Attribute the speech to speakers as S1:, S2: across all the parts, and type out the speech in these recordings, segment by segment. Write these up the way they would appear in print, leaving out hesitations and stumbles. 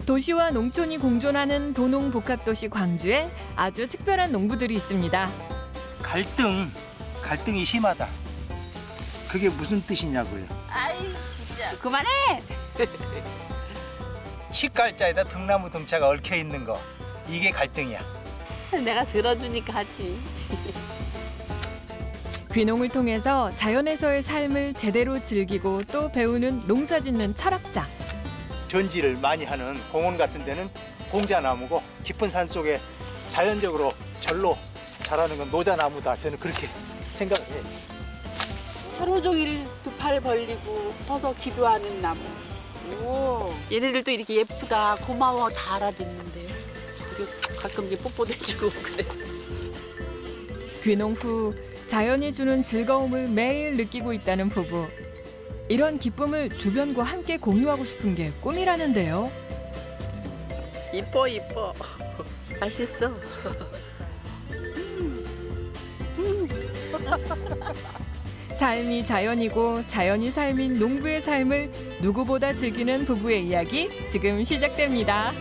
S1: 도시와 농촌이 공존하는 도농복합도시 광주에 아주 특별한 농부들이 있습니다.
S2: 갈등이 심하다. 그게 무슨 뜻이냐고요.
S3: 아이 진짜 그만해.
S2: 치갈자에다 등나무 등차가 얽혀 있는 거. 이게 갈등이야.
S3: 내가 들어주니까 하지.
S1: 귀농을 통해서 자연에서의 삶을 제대로 즐기고 또 배우는 농사짓는 철학자.
S2: 전지를 많이 하는 공원 같은 데는 공자나무고 깊은 산 속에 자연적으로 절로 자라는 건 노자나무다. 저는 그렇게 생각을 해요.
S3: 하루 종일 두 팔 벌리고 서서 기도하는 나무. 오, 얘네들도 이렇게 예쁘다, 고마워 다 알아듣는데요. 그리고 가끔 이제 뽀뽀도 해주고 그래.
S1: 귀농 후 자연이 주는 즐거움을 매일 느끼고 있다는 부부. 이런 기쁨을 주변과 함께 공유하고 싶은 게 꿈이라는데요.
S3: 이뻐 이뻐. 맛있어.
S1: 삶이 자연이고 자연이 삶인 농부의 삶을 누구보다 즐기는 부부의 이야기 지금 시작됩니다.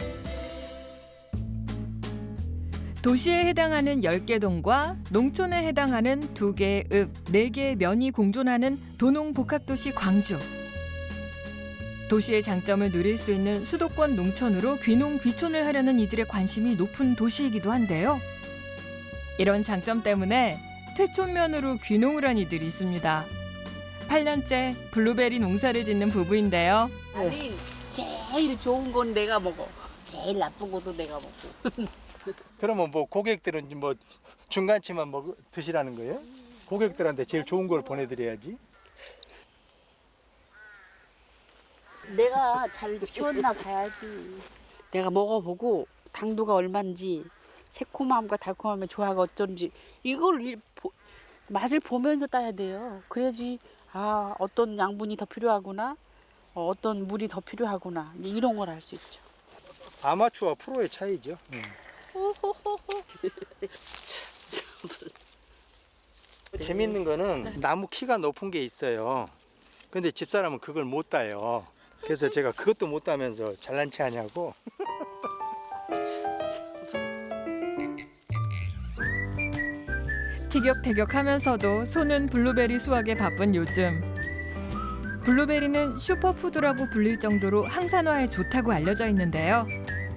S1: 도시에 해당하는 10개 동과 농촌에 해당하는 2개의 읍, 4개의 면이 공존하는 도농복합도시 광주. 도시의 장점을 누릴 수 있는 수도권 농촌으로 귀농 귀촌을 하려는 이들의 관심이 높은 도시이기도 한데요. 이런 장점 때문에 퇴촌면으로 귀농을 한 이들이 있습니다. 8년째 블루베리 농사를 짓는 부부인데요.
S3: 아니 제일 좋은 건 내가 먹어. 제일 나쁜 것도 내가 먹고.
S2: 그러면 뭐 고객들은 뭐 중간치만 드시라는 거예요? 고객들한테 제일 좋은 걸 보내드려야지.
S3: 내가 잘 키웠나 봐야지. 내가 먹어보고 당도가 얼마인지 새콤함과 달콤함의 조화가 어쩐지 이걸 맛을 보면서 따야 돼요. 그래야지 아 어떤 양분이 더 필요하구나, 어떤 물이 더 필요하구나 이런 걸 알 수 있죠.
S2: 아마추어와 프로의 차이죠. 재밌는 거는 나무 키가 높은 게 있어요. 근데 집사람은 그걸 못 따요. 그래서 제가 그것도 못 따면서 잘난 체 하냐고.
S1: 티격태격하면서도 손은 블루베리 수확에 바쁜 요즘. 블루베리는 슈퍼푸드라고 불릴 정도로 항산화에 좋다고 알려져 있는데요.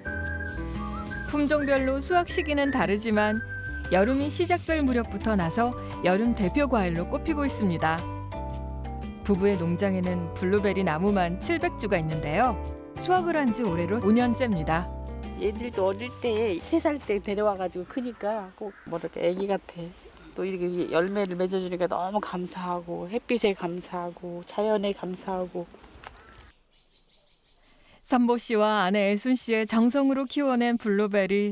S1: 품종별로 수확 시기는 다르지만 여름이 시작될 무렵부터 나서 여름 대표 과일로 꼽히고 있습니다. 부부의 농장에는 블루베리 나무만 700주가 있는데요. 수확을 한 지 올해로 5년째입니다.
S3: 얘들도 어릴 때 3살 때 데려와가지고 크니까 꼭 뭐랄까 애기 같아. 또 이렇게 열매를 맺어주니까 너무 감사하고 햇빛에 감사하고 자연에 감사하고.
S1: 선보 씨와 아내 애순 씨의 정성으로 키워낸 블루베리.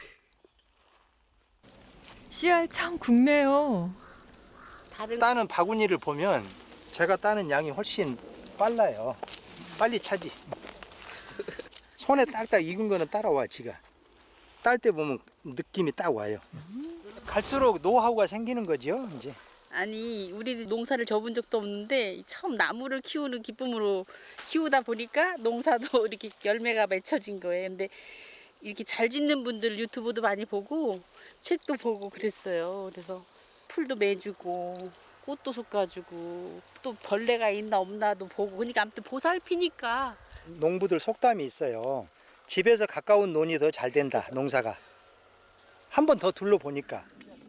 S1: 씨알 참 굵네요.
S2: 따는 바구니를 보면 제가 따는 양이 훨씬 빨라요. 빨리 차지. 손에 딱딱 익은 거는 따라와 지가. 딸 때 보면 느낌이 딱 와요. 갈수록 노하우가 생기는 거죠 이제.
S3: 아니 우리 농사를 접은 적도 없는데 처음 나무를 키우는 기쁨으로 키우다 보니까 농사도 이렇게 열매가 맺혀진 거예요. 근데 이렇게 잘 짓는 분들 유튜브도 많이 보고 책도 보고 그랬어요. 그래서 풀도 매주고 꽃도 솎아주고 또 벌레가 있나 없나도 보고 그러니까 아무튼 보살피니까.
S2: 농부들 속담이 있어요. 집에서 가까운 논이 더 잘 된다 농사가. 한 번 더 둘러보니까.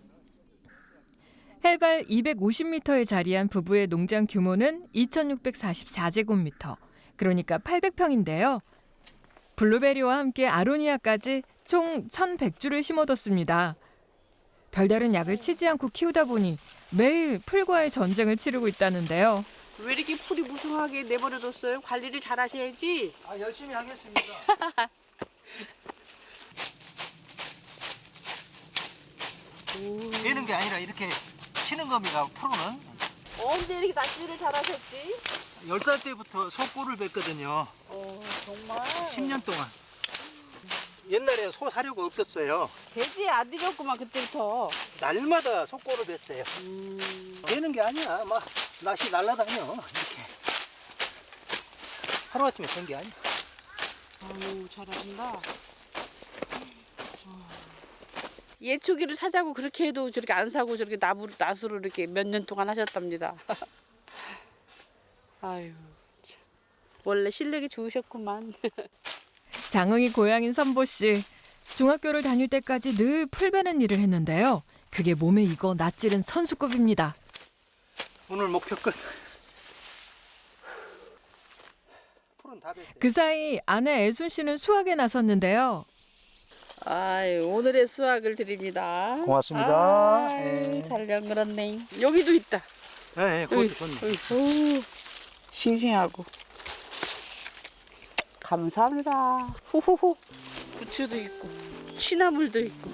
S1: 해발 250m에 자리한 부부의 농장 규모는 2,644제곱미터, 그러니까 800평인데요. 블루베리와 함께 아로니아까지 총 1,100주를 심어뒀습니다. 별다른 약을 치지 않고 키우다 보니 매일 풀과의 전쟁을 치르고 있다는데요.
S3: 왜 이렇게 풀이 무성하게 내버려뒀어요? 관리를 잘 하셔야지.
S2: 열심히 하겠습니다. 되는 게 아니라 이렇게 치는 겁니다. 프로는.
S3: 언제 이렇게 낚시를 잘 하셨지?
S2: 10살 때부터 소꼬를 뵀거든요.
S3: 정말.
S2: 10년 동안. 옛날에 소 사료가 없었어요.
S3: 돼지 안 드렸구만 그때부터.
S2: 날마다 소꼬를 뵀어요. 되는 게 아니야. 막 낚시 날라다녀. 이렇게. 하루아침에 된 게 아니야.
S3: 아유, 잘한다. 예초기를 사자고 그렇게 해도 저렇게 안 사고 저렇게 나수로 이렇게 몇 년 동안 하셨답니다. 아유, 참. 원래 실력이 좋으셨구만.
S1: 장흥이 고향인 선보 씨. 중학교를 다닐 때까지 늘 풀 베는 일을 했는데요. 그게 몸에 익어 낯질은 선수급입니다.
S2: 오늘 목표 끝. 풀은 다 뱄어요.
S1: 그 사이 아내 애순 씨는 수학에 나섰는데요.
S3: 아유, 오늘의 수학을 드립니다.
S2: 고맙습니다.
S3: 아유,
S2: 네.
S3: 잘 연결했네. 여기도 있다.
S2: 네, 그것도 좋네.
S3: 어이, 싱싱하고. 감사합니다. 호호호. 부추도 있고, 취나물도 있고.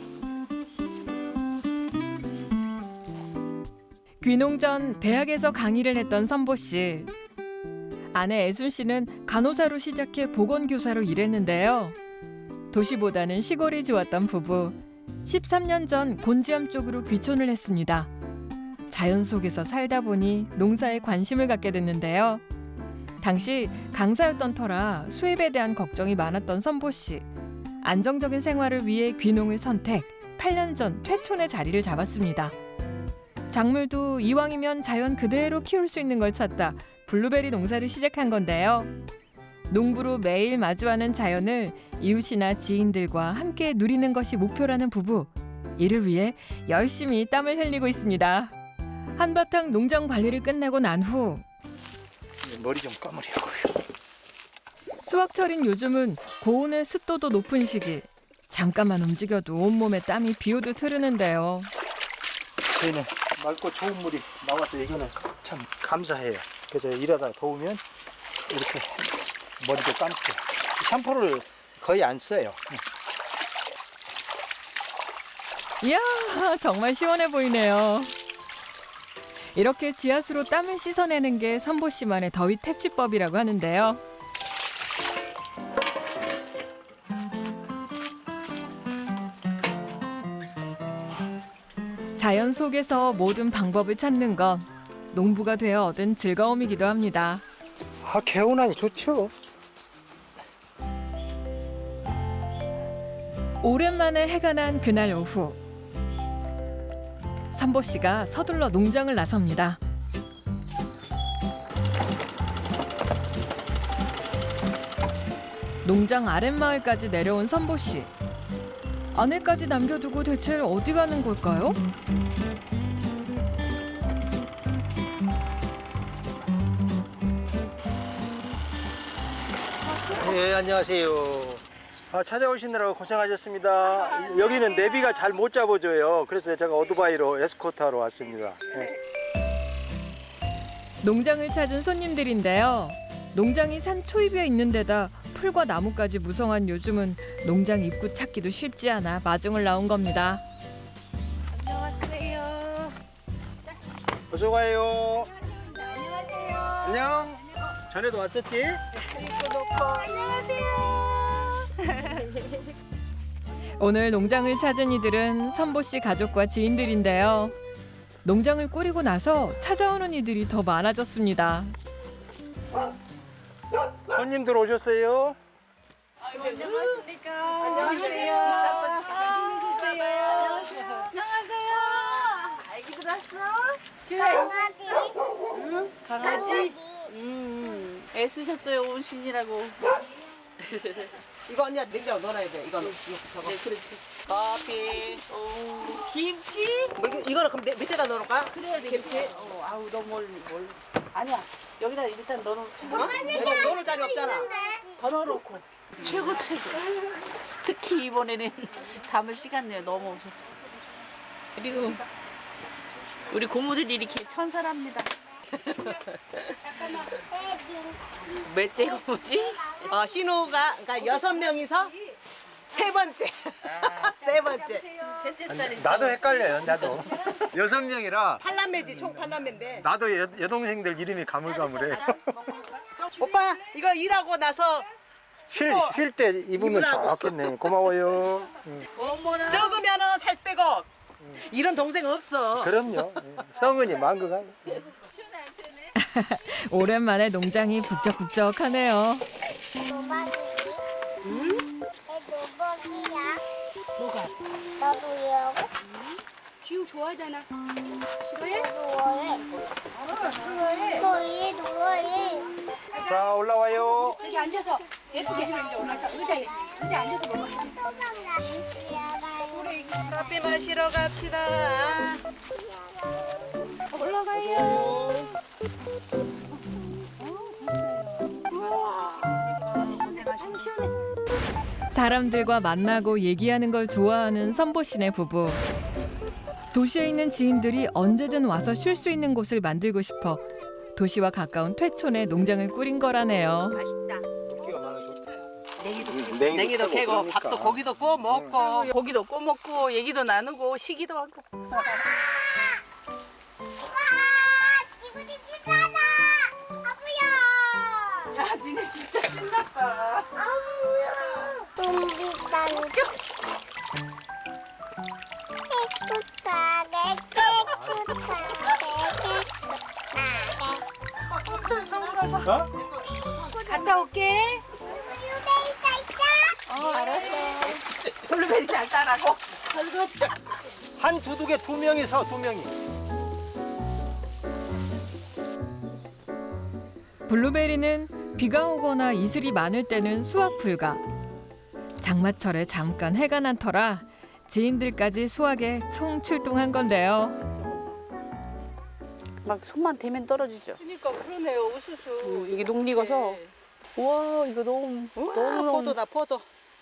S1: 귀농 전 대학에서 강의를 했던 선보 씨. 아내 애순 씨는 간호사로 시작해 보건교사로 일했는데요. 도시보다는 시골이 좋았던 부부. 13년 전 곤지암 쪽으로 귀촌을 했습니다. 자연 속에서 살다 보니 농사에 관심을 갖게 됐는데요. 당시 강사였던 터라 수입에 대한 걱정이 많았던 선보 씨. 안정적인 생활을 위해 귀농을 선택. 8년 전 퇴촌의 자리를 잡았습니다. 작물도 이왕이면 자연 그대로 키울 수 있는 걸 찾다 블루베리 농사를 시작한 건데요. 농부로 매일 마주하는 자연을 이웃이나 지인들과 함께 누리는 것이 목표라는 부부. 이를 위해 열심히 땀을 흘리고 있습니다. 한바탕 농장 관리를 끝내고 난 후
S2: 머리 좀 감으려고요.
S1: 수확철인 요즘은 고온의 습도도 높은 시기. 잠깐만 움직여도 온몸에 땀이 비오듯 흐르는데요.
S2: 저희는 맑고 좋은 물이 나와서 이거는 참 감사해요. 그래서 일하다 더우면 이렇게 머리도 감고 샴푸를 거의 안 써요.
S1: 이야, 정말 시원해 보이네요. 이렇게 지하수로 땀을 씻어내는 게 선보 씨만의 더위 퇴치법이라고 하는데요. 자연 속에서 모든 방법을 찾는 건 농부가 되어 얻은 즐거움이기도 합니다.
S2: 아, 개운하니 좋죠.
S1: 오랜만에 해가 난 그날 오후. 선보 씨가 서둘러 농장을 나섭니다. 농장 아랫마을까지 내려온 선보 씨. 아내까지 남겨두고 대체 어디 가는 걸까요?
S2: 네, 안녕하세요. 찾아오시느라고 고생하셨습니다. 여기는 내비가 잘 못 잡아줘요. 그래서 제가 오토바이로 에스코트하러 왔습니다. 네.
S1: 농장을 찾은 손님들인데요. 농장이 산 초입에 있는 데다 풀과 나무까지 무성한 요즘은 농장 입구 찾기도 쉽지 않아 마중을 나온 겁니다.
S4: 안녕하세요.
S2: 어서 와요.
S4: 안녕하세요.
S2: 안녕. 전에도 왔었지?
S4: 안녕하세요.
S1: 오늘 농장을 찾은 이들은 선보 씨 가족과 지인들인데요. 농장을 꾸리고 나서 찾아오는 이들이 더 많아졌습니다.
S2: 손님들 오셨어요?
S4: 안녕하십니까. 안녕하세요. 잘 지내셨어요? 안녕하세요. 아기들 왔어? 응? 강아지?
S3: 애쓰셨어요, 온신이라고.
S5: 이거 언니가 냉장고 넣어놔야 돼. 이거는 저거.
S3: 네, 그렇지.
S5: 커피.
S3: 김치?
S5: 이거는 그럼 밑에다 넣어놓을까?
S3: 그래야 돼.
S5: 김치.
S3: 아우, 너무 뭘. 아니야. 여기다 일단 넣어놓지.
S5: 이거 넣어놓을 자리 없잖아.
S3: 더 넣어놓고. 최고. 특히 이번에는 담을 시간 내에 너무 오셨어. 그리고 우리 고모들이 이렇게 천사랍니다. 몇째 고모지?
S5: 신호가 그러니까 6명이서 세 번째. 세 번째.
S3: 셋째 딸이
S2: 나도 헷갈려요. 나도. 6명이라
S5: 팔남매지 총 팔남매인데.
S2: 나도 여동생들 이름이 가물가물해.
S5: 오빠 이거 일하고 나서
S2: 쉴 때 입으면 좋겠네. 고마워요.
S5: 적으면은 살 빼고 이런 동생 없어.
S2: 그럼요. 성은이 망그가.
S1: 오랜만에 농장이 북적북적하네요.
S6: 누구야?
S4: 뭐가?
S6: 나도요.
S4: 지우 좋아하잖아. 싫어해?
S6: 누워해.
S4: 싫어해.
S6: 너희 누워해.
S2: 자, 올라와요.
S4: 여기 앉아서 예쁘게 이제 올라서 의자에 앉아서 먹어.
S5: 커피 마시러 갑시다.
S4: 올라가요.
S1: 사람들과 만나고 얘기하는 걸 좋아하는 선보신의 부부. 도시에 있는 지인들이 언제든 와서 쉴 수 있는 곳을 만들고 싶어 도시와 가까운 퇴촌에 농장을 꾸린 거라네요.
S5: 냉이도 캐고 밥도 고기도 구워 먹고.
S4: 고기도 구워 먹고 얘기도 나누고 시기도 하고.
S6: 기분이 비싸다. 아구야.
S4: 야, 니네 진짜 신났다.
S6: 아구야. 좀 비싼 거.
S2: 어?
S4: 갔다 올게. 알았어. 블루베리 잘 따라고.
S2: 한 두둑에 2명이서 2명이.
S1: 블루베리는 비가 오거나 이슬이 많을 때는 수확 불가. 장마철에 잠깐 해가 난 터라 지인들까지 수확에 총 출동한 건데요.
S3: 막 손만 대면 떨어지죠.
S4: 그러니까 그러네요. 우수수.
S3: 이게 녹익어서 와 이거 너무
S5: 포도다 포도.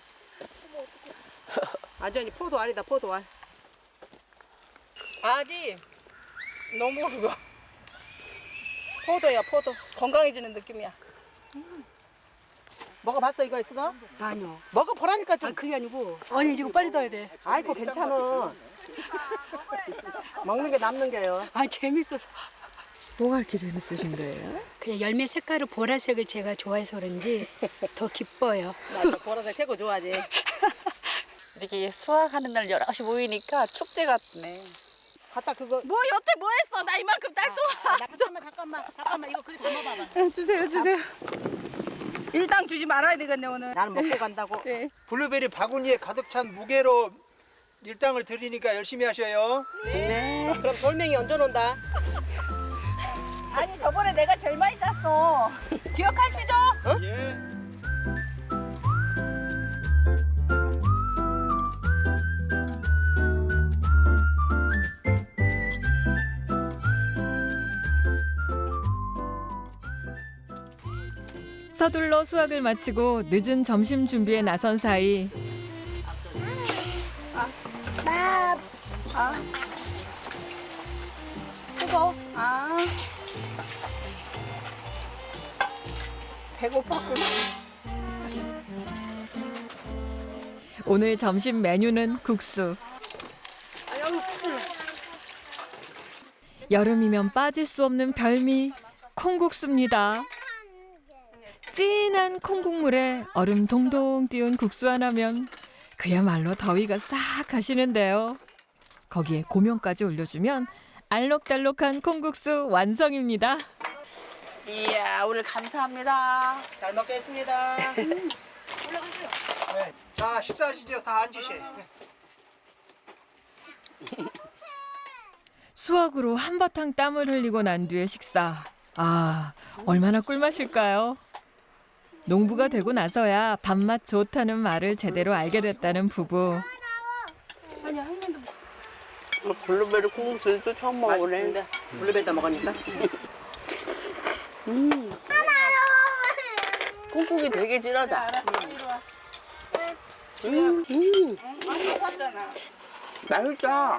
S5: 완전히 포도 알이다 포도 알.
S4: 알이 너무 그거
S5: 포도야 포도.
S4: 건강해지는 느낌이야.
S5: 먹어봤어 이거 있어?
S4: 아니요.
S5: 먹어보라니까 좀.
S4: 그게 아니고. 아니 이거 빨리 넣어야 돼.
S5: 아이고 괜찮아. 먹는 게 남는 게요.
S4: 아 재밌어서.
S3: 뭐가 이렇게 재밌으신 거예요?
S4: 그냥 열매 색깔을 보라색을 제가 좋아해서 그런지 더 기뻐요.
S5: 나 보라색 최고 좋아하지.
S3: 이렇게 수확하는 날 여럿이 모이니까 축제 같네.
S5: 갖다 그거.
S4: 뭐 여태 뭐 했어? 나 이만큼 딸동아.
S5: 잠깐만 이거 그리 담아봐봐.
S4: 주세요. 일당 주지 말아야 되겠네 오늘.
S5: 나는 먹고 간다고.
S4: 네.
S2: 블루베리 바구니에 가득 찬 무게로 일당을 드리니까 열심히 하셔요.
S3: 네.
S5: 그럼 돌멩이 얹어놓는다.
S4: 아니 저번에 내가 제일 많이 땄어. 기억하시죠?
S2: 예.
S1: 서둘러 수확을 마치고 늦은 점심 준비에 나선 사이
S4: 뜨거. 아. 배고팠구나.
S1: 오늘 점심 메뉴는 국수. 여름이면 빠질 수 없는 별미 콩국수입니다. 진한 콩국물에 얼음 동동 띄운 국수 하나면 그야말로 더위가 싹 가시는데요. 거기에 고명까지 올려주면 알록달록한 콩국수 완성입니다.
S3: 이야 오늘 감사합니다.
S5: 잘 먹겠습니다.
S2: 네. 자, 식사하시죠. 다 앉으세요. 네.
S1: 수확으로 한바탕 땀을 흘리고 난 뒤의 식사. 아, 얼마나 꿀맛일까요? 농부가 되고 나서야 밥맛 좋다는 말을 제대로 알게 됐다는 부부.
S3: 블루베리 콩국수도 처음 먹어보네.
S5: 맛있는데 블루베리다 먹으니까.
S3: 콩국이 되게 진하다.
S4: 많이 먹었잖아.
S3: 맛있다.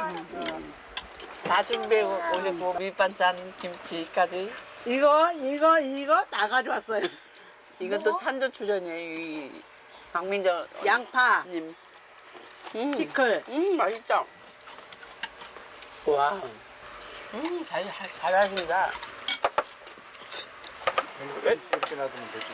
S3: 다 준비해 오셨고 밑반찬 김치까지.
S5: 이거 다 가져왔어요.
S3: 이것도 찬조 추전이에요. 이 박민정
S5: 양파,
S3: 님.
S5: 피클.
S3: 맛있다. 와. 잘하신다.
S2: 이렇게 놔두면 되지.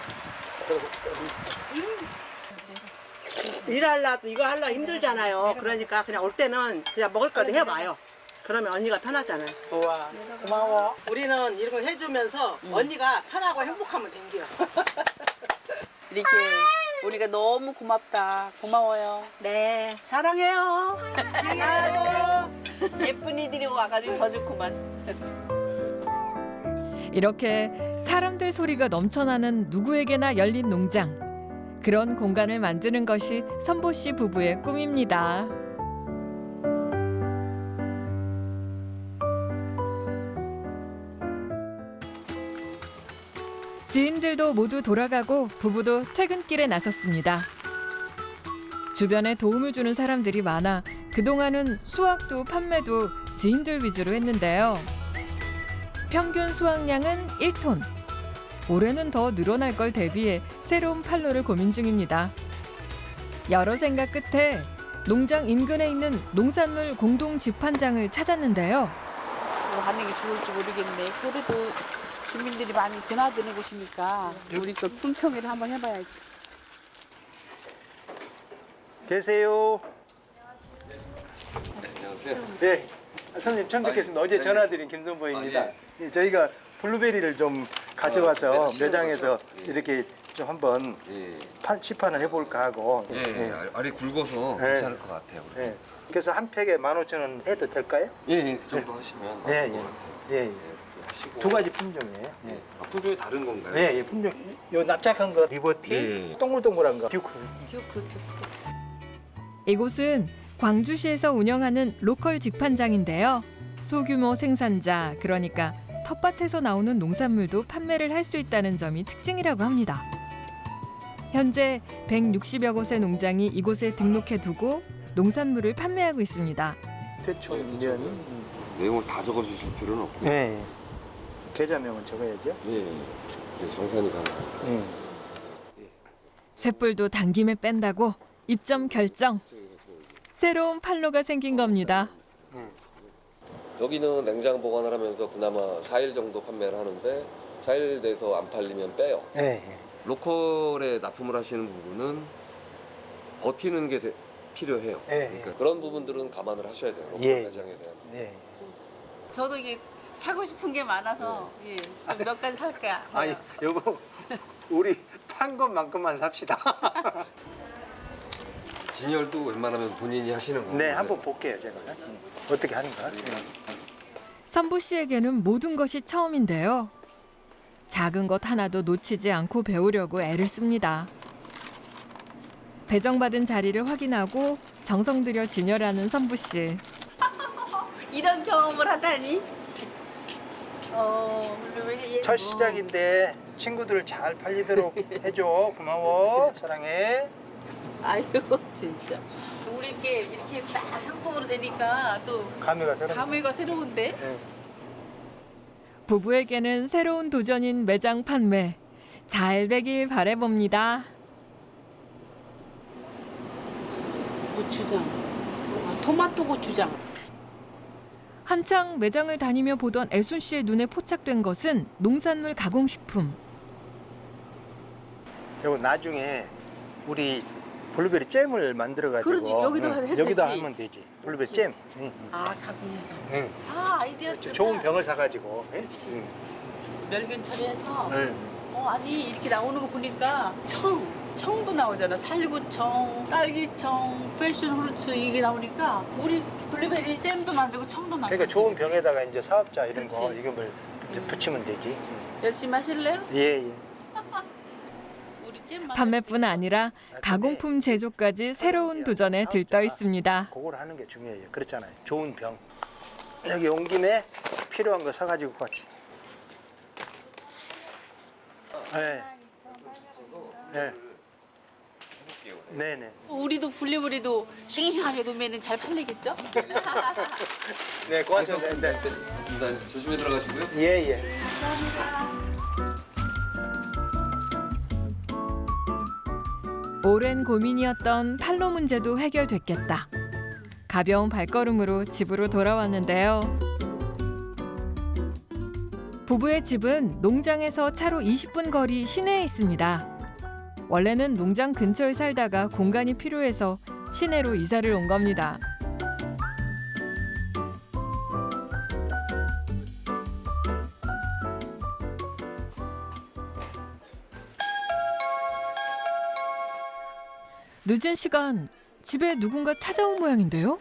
S5: 일하려도 이거 하려 힘들잖아요. 그러니까 그냥 올 때는 그냥 먹을 거를 해봐요. 그러면 언니가 편하잖아요.
S3: 우와. 고마워.
S5: 우리는 이런 거 해주면서 언니가 편하고 행복하면 된겨.
S3: 이렇게 우리가 너무 고맙다. 고마워요.
S5: 네, 사랑해요. 나도.
S3: 예쁜 이들이 와가지고 더 좋구만.
S1: 이렇게 사람들 소리가 넘쳐나는 누구에게나 열린 농장. 그런 공간을 만드는 것이 선보 씨 부부의 꿈입니다. 지인들도 모두 돌아가고 부부도 퇴근길에 나섰습니다. 주변에 도움을 주는 사람들이 많아 그동안은 수확도 판매도 지인들 위주로 했는데요. 평균 수확량은 1톤. 올해는 더 늘어날 걸 대비해 새로운 판로를 고민 중입니다. 여러 생각 끝에 농장 인근에 있는 농산물 공동 집판장을 찾았는데요.
S3: 뭐 하는 게 좋을지 모르겠네. 그래도 주민들이 많이 드나드는 곳이니까 우리 걸 품평회를 한번 해봐야지.
S2: 계세요.
S7: 안녕하세요.
S2: 네. 선생님 처음 뵙겠습니다. 어제 전화드린 김선보입니다. 예, 저희가 블루베리를 좀 가져와서 매장에서 이렇게 좀 한번
S7: 예,
S2: 시판을 해볼까 하고.
S7: 예, 알이 굵어서
S2: 예.
S7: 괜찮을 것 같아요.
S2: 예. 그래서 한 팩에 15,000원 해도 될까요?
S7: 예, 그 정도 하시면
S2: 예,
S7: 맞을
S2: 예.
S7: 것 같아요.
S2: 예, 예.
S7: 이렇게 하시고.
S2: 두 가지 품종이에요. 예.
S7: 아, 품종이 다른 건가요?
S2: 네, 예, 품종. 요 납작한 거 리버티,
S7: 예.
S2: 동글동글한 거 듀크.
S1: 이곳은 광주시에서 운영하는 로컬 직판장인데요. 소규모 생산자, 그러니까 텃밭에서 나오는 농산물도 판매를 할 수 있다는 점이 특징이라고 합니다. 현재 160여 곳의 농장이 이곳에 등록해두고 농산물을 판매하고 있습니다.
S2: 태초 2년.
S7: 내용을 다 적어주실 필요는 없고.
S2: 예. 계좌명은 적어야죠.
S7: 예, 예, 정산이 가능해요.
S2: 예.
S1: 쇳불도 당김에 뺀다고 입점 결정. 새로운 판로가 생긴 겁니다.
S7: 여기는 냉장 보관을 하면서 그나마 4일 정도 판매를 하는데 4일 돼서 안 팔리면 빼요.
S2: 예. 예.
S7: 로컬에 납품을 하시는 부분은 버티는 게 필요해요.
S2: 예,
S7: 그러니까
S2: 예.
S7: 그런 부분들은 감안을 하셔야 돼요. 로컬
S2: 예.
S7: 매장에 대한.
S2: 네.
S3: 저도 이게 사고 싶은 게 많아서 예, 좀 몇 가지 살까.
S2: 아니, 여보, 우리 판 것만큼만 삽시다.
S7: 진열도 웬만하면 본인이 하시는 거예요.
S2: 네, 한번 볼게요, 제가. 어떻게 하는가.
S1: 선부 씨에게는 모든 것이 처음인데요. 작은 것 하나도 놓치지 않고 배우려고 애를 씁니다. 배정받은 자리를 확인하고 정성 들여 진열하는 선부 씨.
S3: 이런 경험을 하다니. 블루베리
S2: 첫 시작인데 친구들 잘 팔리도록 해줘. 고마워. 사랑해.
S3: 아유 진짜. 우리께 이렇게 딱 상품으로 되니까 또
S2: 감회가 새롭네.
S3: 감회가 새로운데.
S2: 네.
S1: 부부에게는 새로운 도전인 매장 판매. 잘 되길 바라봅니다.
S3: 고추장. 아, 토마토 고추장.
S1: 한창 매장을 다니며 보던 애순 씨의 눈에 포착된 것은 농산물 가공식품.
S2: 그리고 나중에 우리 블루베리 잼을 만들어가지고
S3: 그러지, 여기도 해도
S2: 여기다
S3: 되지.
S2: 하면 되지. 블루베리 잼. 응,
S3: 아 가공해서.
S2: 응.
S3: 아 아이디어 좋다.
S2: 좋은 병을 사가지고.
S3: 그렇지.
S2: 응.
S3: 멸균 처리해서.
S2: 응.
S3: 아니 이렇게 나오는 거 보니까 청도 나오잖아. 살구청, 딸기청, 패션 프루츠 이게 나오니까 우리 블루베리 잼도 만들고 청도 만들고.
S2: 그러니까 좋은 병에다가 이제 사업자 이런 거
S3: 그렇지.
S2: 이름을 붙이면 되지.
S3: 열심히 하실래요?
S2: 예, 예.
S3: 우리 잼 만들
S1: 판매뿐 아니라 가공품 제조까지 새로운 도전에 들떠 있습니다.
S2: 그걸 하는 게 중요해요. 그렇잖아요. 좋은 병. 여기 온 김에 필요한 거 사가지고 같이. 네. 네. 네네.
S3: 우리도 블루베리도 싱싱하게 놓으면 잘 팔리겠죠?
S2: 네, 고맙습니다. 네.
S7: 일단 조심히 들어가시고요.
S2: 예, 예.
S1: 오랜 고민이었던 판로 문제도 해결됐겠다. 가벼운 발걸음으로 집으로 돌아왔는데요. 부부의 집은 농장에서 차로 20분 거리 시내에 있습니다. 원래는 농장 근처에 살다가 공간이 필요해서 시내로 이사를 온 겁니다. 늦은 시간 집에 누군가 찾아온 모양인데요.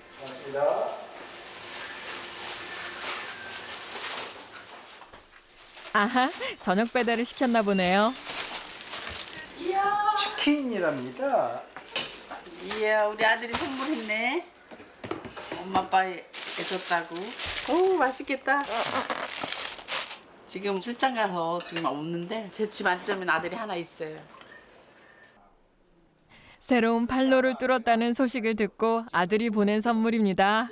S1: 아하, 저녁 배달을 시켰나 보네요.
S2: 치킨이랍니다.
S3: 이야, 우리 아들이 선물했네. 엄마 아빠 해줬다고. 오, 맛있겠다. 지금 출장 가서 지금 없는데 제 집 안점엔 아들이 하나 있어요.
S1: 새로운 판로를 뚫었다는 소식을 듣고 아들이 보낸 선물입니다.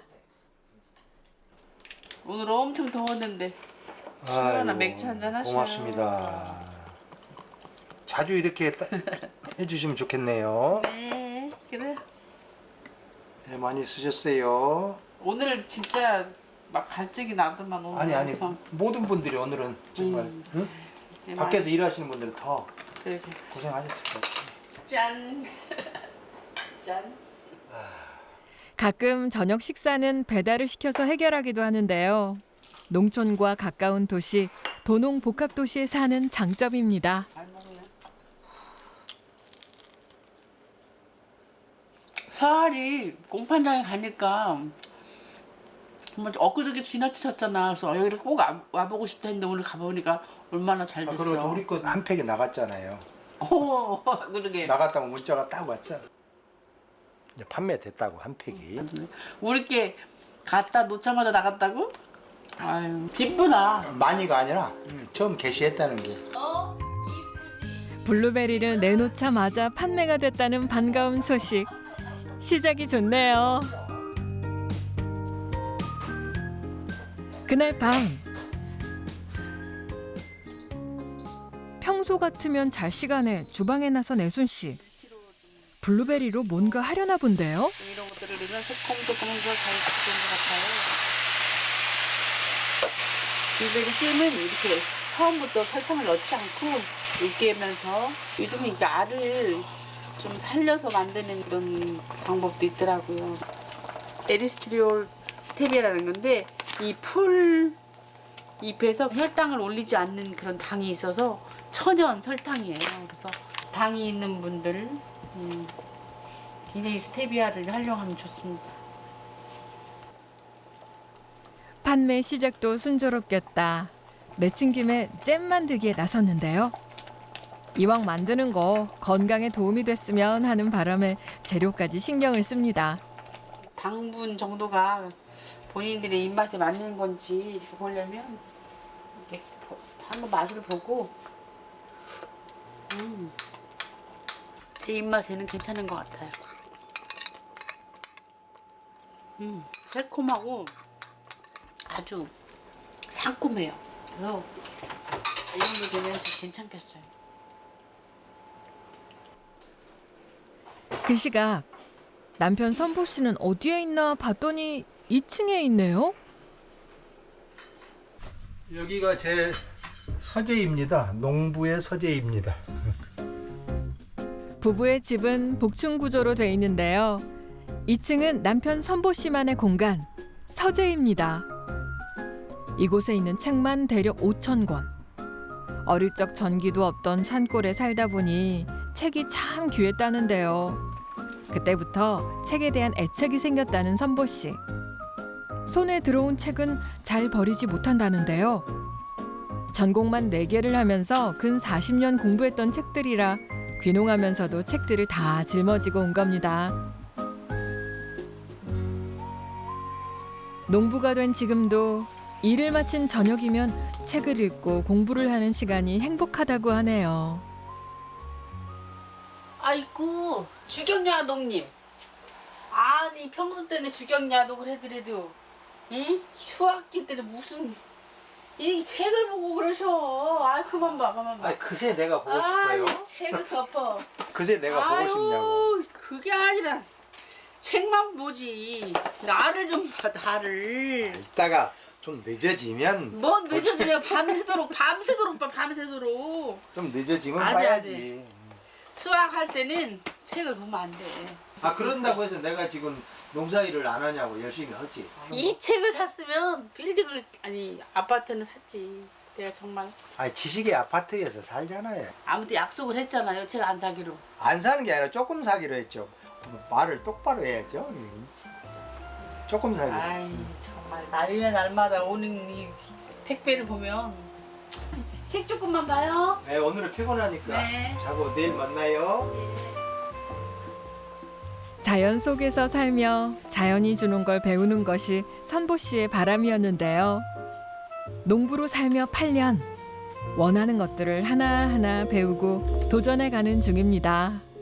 S3: 오늘 엄청 더웠는데 시원한
S2: 아이고,
S3: 맥주 한잔 하셔요.
S2: 고맙습니다. 자주 이렇게 해주시면 좋겠네요.
S3: 네, 그래.
S2: 네, 많이 쓰셨어요.
S3: 오늘 진짜 막 갈증이 나더만 오늘.
S2: 아니
S3: 엄청.
S2: 모든 분들이 오늘은 정말 응?
S3: 네,
S2: 밖에서 일하시는 분들은 더
S3: 그래.
S2: 고생하셨을 것 같아요.
S3: 짠. 짠.
S1: 가끔 저녁 식사는 배달을 시켜서 해결하기도 하는데요. 농촌과 가까운 도시, 도농 복합도시에 사는 장점입니다.
S3: 잘 먹네. 사활이 공판장에 가니까 정말 엊그저께 지나치셨잖아. 그래서 여기를 꼭 와보고 싶다 했는데 오늘 가보니까 얼마나 잘 됐어.
S2: 그리고 우리 거 한 팩이 나갔잖아요.
S3: 오, 그러게.
S2: 나갔다고 문자가 딱 왔죠. 이제 판매됐다고 한 팩이.
S3: 우리 게 갔다 놓자마자 나갔다고? 아유, 기쁘다.
S2: 많이가 아니라 처음 게시했다는 게.
S1: 블루베리를 내놓자마자 판매가 됐다는 반가운 소식. 시작이 좋네요. 그날 밤. 평소 같으면 잘 시간에 주방에 나선 애순 씨. 블루베리로 뭔가 하려나 본데요.
S3: 이런 것들을 넣으면 새콤새콤해서 잘 익는 것 같아요. 블루베리 찜은 이렇게 처음부터 설탕을 넣지 않고 으깨면서 요즘은 이게 알을 좀 살려서 만드는 그런 방법도 있더라고요. 에리스트리올 스테비아라는 건데 이 풀 잎에서 혈당을 올리지 않는 그런 당이 있어서 천연 설탕이에요. 그래서 당이 있는 분들 굉장히 스테비아를 활용하면 좋습니다.
S1: 판매 시작도 순조롭겠다. 내친 김에 잼 만들기에 나섰는데요. 이왕 만드는 거 건강에 도움이 됐으면 하는 바람에 재료까지 신경을 씁니다.
S3: 당분 정도가 본인들의 입맛에 맞는 건지 이렇게 보려면 이렇게 한번 맛을 보고 제 입맛에는 괜찮은 것 같아요. 새콤하고 아주 상콤해요. 그래서 이 정도 되면 괜찮겠어요.
S1: 그 시각 남편 선보 씨는 어디에 있나 봤더니 2층에 있네요.
S2: 여기가 제 서재입니다. 농부의 서재입니다.
S1: 부부의 집은 복층 구조로 돼 있는데요. 2층은 남편 선보 씨만의 공간, 서재입니다. 이곳에 있는 책만 대략 5,000권. 어릴 적 전기도 없던 산골에 살다 보니 책이 참 귀했다는데요. 그때부터 책에 대한 애착이 생겼다는 선보 씨. 손에 들어온 책은 잘 버리지 못한다는데요. 전공만 4개를 하면서 근 40년 공부했던 책들이라 귀농하면서도 책들을 다 짊어지고 온 겁니다. 농부가 된 지금도 일을 마친 저녁이면 책을 읽고 공부를 하는 시간이 행복하다고 하네요.
S3: 아이고 주경야동님, 아니 평소 때는 주경야동을 해드려도 응? 휴학기 때는 무슨 이 책을 보고 그러셔. 아 그만 봐 그만 봐.
S2: 그새 내가 보고
S3: 아이
S2: 싶어요.
S3: 책을 덮어.
S2: 그새 내가 보고 싶냐고.
S3: 그게 아니라 책만 보지. 나를 좀 봐, 나를.
S2: 이따가 좀 늦어지면
S3: 뭐 늦어지면 밤새도록 봐, 밤새도록.
S2: 좀 늦어지면
S3: 안 돼,
S2: 봐야지.
S3: 수학할 때는 책을 보면 안 돼.
S2: 아 그런다고 해서 내가 지금 농사일을 안 하냐고 열심히 하지.
S3: 이 책을 샀으면 빌딩을 아니 아파트는 샀지. 내가 정말
S2: 지식의 아파트에서 살잖아요.
S3: 아무튼 약속을 했잖아요. 제가 안 사기로.
S2: 안 사는 게 아니라 조금 사기로 했죠. 말을 똑바로 해야죠. 조금 사기로.
S3: 아이 정말 날이면 날마다 오는 이 택배를 보면 책 조금만 봐요.
S2: 네, 오늘은 피곤하니까
S3: 네.
S2: 자고 내일 만나요.
S1: 자연 속에서 살며 자연이 주는 걸 배우는 것이 선보 씨의 바람이었는데요. 농부로 살며 8년 원하는 것들을 하나하나 배우고 도전해 가는 중입니다.